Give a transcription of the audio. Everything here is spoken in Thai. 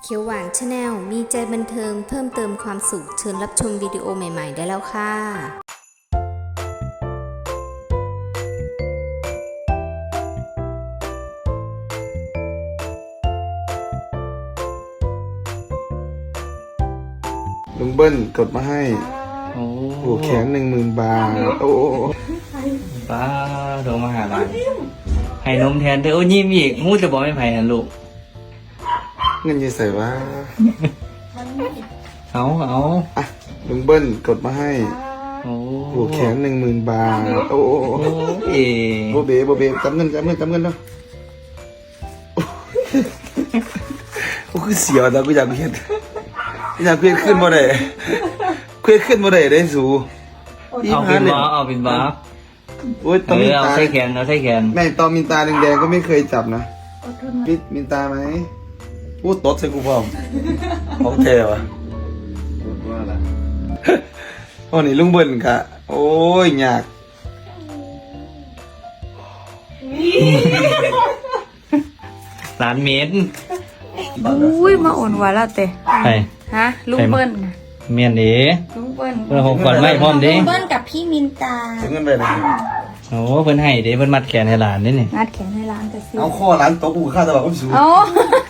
เขียวหวานชาแนลมีใจบันเทิงเพิ่มเติมความสุขเชิญรับชมวิดีโอใหม่ๆได้แล้วค่ะลุงเบิ้ลกดมาให้โอ้โอ้แข็ง10,000 บาท โอ้ป้าโทรมาหาบ้านให้นมแทนเธอโอ้ยิ้มอีกมูจะบอกไม่ไผ่หันลูกเงินจะใส่ว่าเอาอ่ะลุงเบิ้ลกดมาให้โอ้โอ้แข็ง10,000 บาท โอ้เอ๋โบเบจำเงินเนาะโอ้คือเสียวแต่กูอยากเพี้ยนขึ้นบ่ได้ขึ้นบ่ได้สูอีเอาหเป็นเนี่ยบ้าเอาเป็นบ้าโอ้ยตอมินเอาตาใส่แขนเอาใส่แขนแม่ตอมินตาแดงๆก็ไม่เคยจับนะปิดมินตาไหมพูดตดใส่กูพร้อมของแท้วะว่าล่ะโอ้นี่ลุงเบิ้ลกะโอ้ยยากล้านเมตรอุ้ยมาอ่อนหวานแล้วเตะไปฮะลุงเบิ้ลน่ะเมียนเอ๋ลุงเบิ้ลเพื่อนของขวัญไม่พร้อมดิเบิ้ลกับพี่มินตาถึงเงินไปนะโอ้เพิ่นให้เด้เพิ่นมัดแขนให้หลานนี่นี่งัดแขนให้ร้านแต่ซื้อเอาข้อร้านโต๊ะกูค่าตลาดก็สูงเอา